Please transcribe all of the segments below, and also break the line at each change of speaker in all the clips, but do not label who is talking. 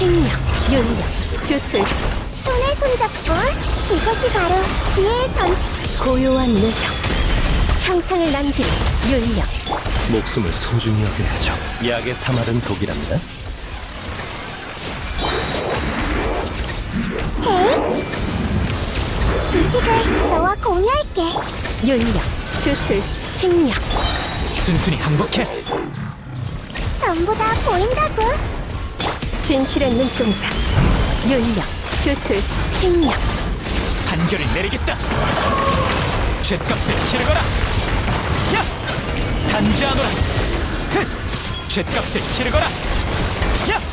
칭령, 윤력, 주술.
손에 손잡고 이것이 바로 지혜의 전.
고요한 누적. 형상을 남기는 윤력.
목숨을 소중히 여겨야죠. 약의 사마른 독이랍니다.
지식을 너와 공유할게.
윤력, 주술, 칭령.
순순히 항복해.
전부 다 보인다고.
진실의 눈동자. 윤력, 주술, 칭령.
판결을 내리겠다. 죗값을 치르거라. 야! 단죄하노라. 죗값을 치르거라. 야!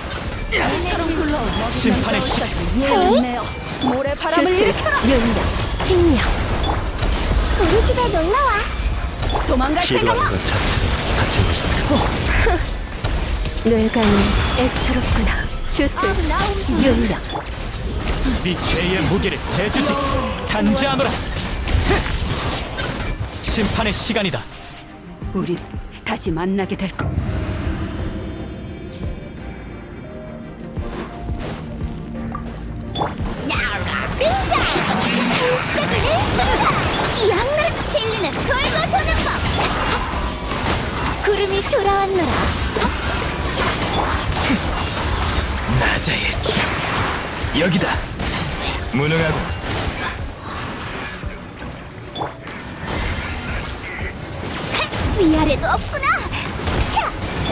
심판의 시.
모래 바람을 일으켜라. 윤력, 칭령.
우리 집에 놀러와.
도망갈
시도하는
생각.
것 자체로 다친 것입니다.
뇌관이 애처롭구나. 주술, 윤력.
네 죄의 무게를 재주지. 단죄하노라. 심판의 시간이다.
우리 다시 만나게 될 거.
반짝이는 순간. 양락 진리는 돌고 도는 법. 구름이 돌아왔노라.
나자의 춤. 여기다. 무능하고.
위아래도 없구나. 차!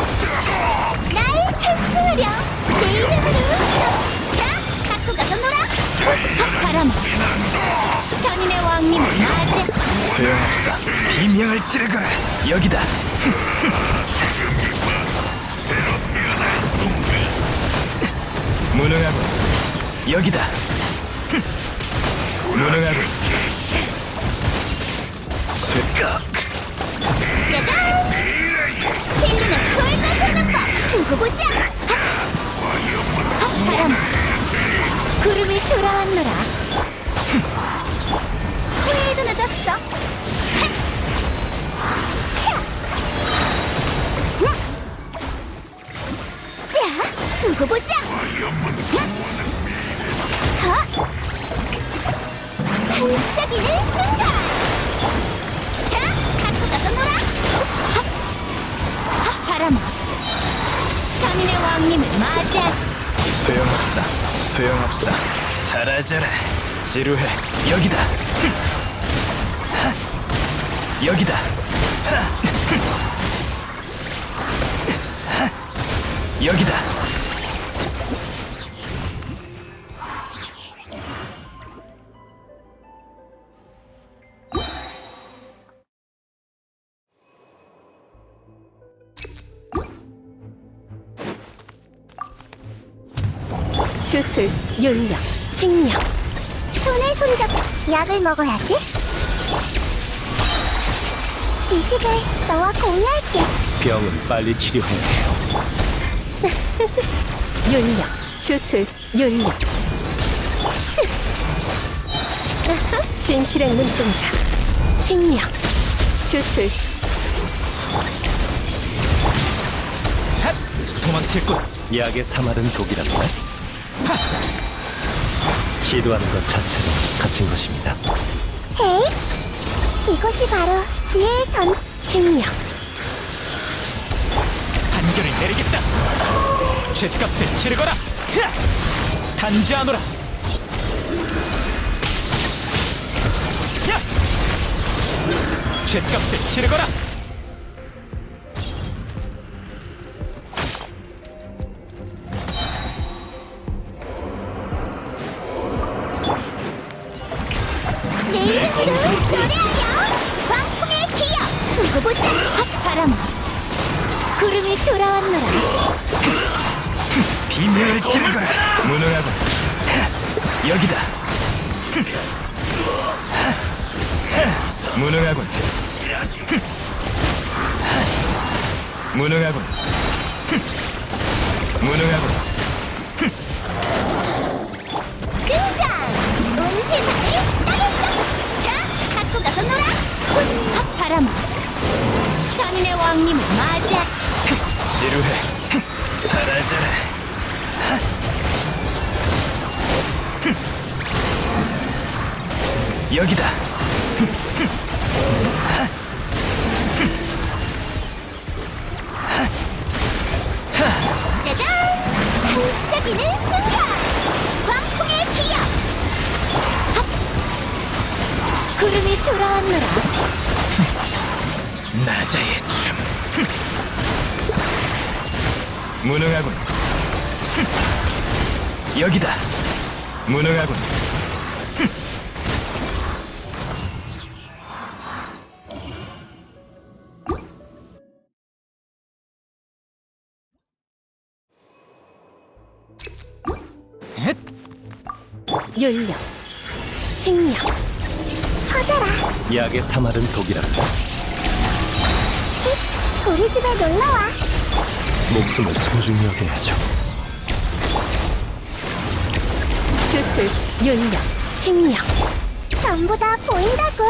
날 찬송하렴. 내 이름으로. 자, 갖고 가서 놀아.
바람. 선인의 왕님을 맞아.
소용없어. 비명을 지르거라. 여기다. 무능하고. 여기다. 무능하고. 쇠깍.
짜잔! 진리는 돌고 도는 법. 두고 보자. 바람. 구름이 돌아왔노라. 후회도 늦었어. 차! 자, 두고 보자. 반짝이는 순간. 자, 갖고 가서 놀아.
바람. 선인의 왕님을 맞아.
소용없어. 소용없어. 사라져라. 지루해. 여기다. 여기다. 여기다.
주술, 윤력, 칭령.
손에 손잡. 약을 먹어야지. 지식을 너와 공유할게.
병은 빨리 치료해야 해요.
윤력, 주술, 윤력. 진실의 눈동자. 칭령, 주술.
도망칠 곳. 약의 사마른 독이랍니다. 시도하는 것 자체로 갇힌 것입니다.
헤이, 이것이 바로 지혜의 전.
칭령.
판결을 내리겠다. 죗값을 치르거라. 단죄하노라. 야! 죗값을 치르거라.
내 이름으로 노래하렴. 광풍의 기억. 두고 보자.
바람. 구름이 돌아왔노라.
비명을 지르거라. 무능하고. 여기다. 무능하군. 무능하군. 무능하군.
등장. 온 세상을 따랐어. 자, 갖고 가서 놀아.
바람. 선인의 왕님을 맞아.
지루해. 사라져라. 여기다.
짜잔! 반짝이는 순간! 광풍의 기억!
구름이 돌아왔노라.
나자의 춤. 무능하군. 여기다. 무능하군.
윤력, 칭력,
커져라!
약의 사마른 독이라.
우리 집에 놀러와!
목숨을 소중히 여겨야죠.
주술, 윤력, 칭력.
전부 다 보인다고!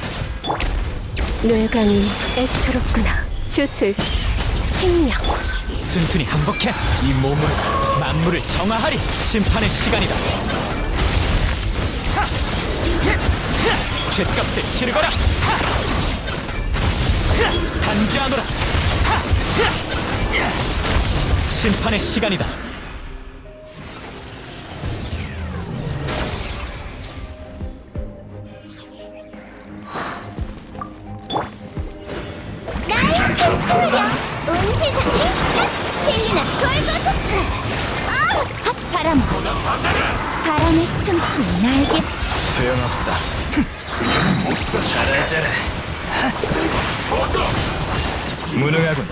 뇌관이 애처롭구나. 주술, 칭력.
순순히 항복해 이 몸으로 만물을 정화하리. 심판의 시간이다. 하! 죗값을 치르거라. 하! 단죄하노라. 하! 심판의 시간이다.
날 찬송하렴! 온 세상이 딱 진리는 돌고 돕고!
핫 바람. 바람에 춤추는 날개.
소용없어. 잘하자라. 무능하군.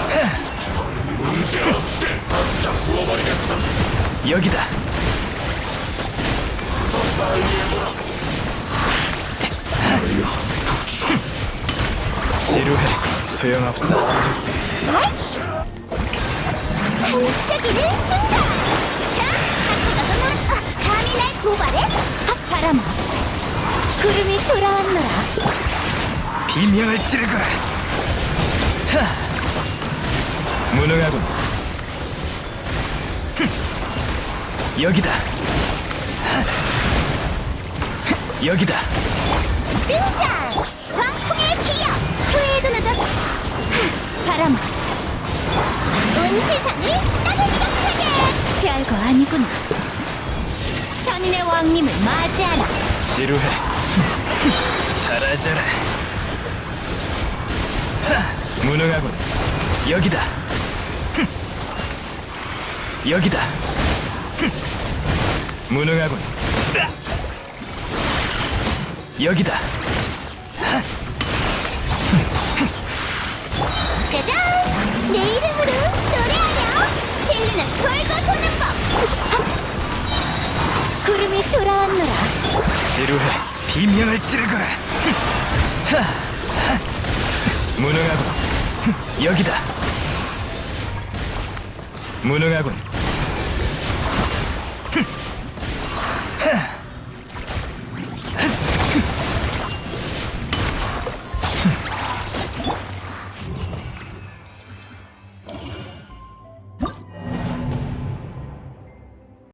여기다. 지루해. 소용없어.
반짝이는 순간! 자, 갖고 가서 놀아! 감히 날 고발해?
핫 바람. 구름이 돌아왔노라.
비명을 지르거라. 무능하군. 여기다. 여기다.
등장! 광풍의 기억! 후회도 늦었어!
바람.
온 세상이 따뜻하게!
별거 아니구나. 선인의 왕님을 맞이하라.
지루해. 사라져라. 무능하군. 여기다. 여기다. 무능하군. 여기다.
짜잔! 내 이름으로 노래하렴! 진리는 돌고 도는 법!
구름이 돌아왔노라.
지루해. 비명을 지르거라. 무능하군. 여기다. 무능하군.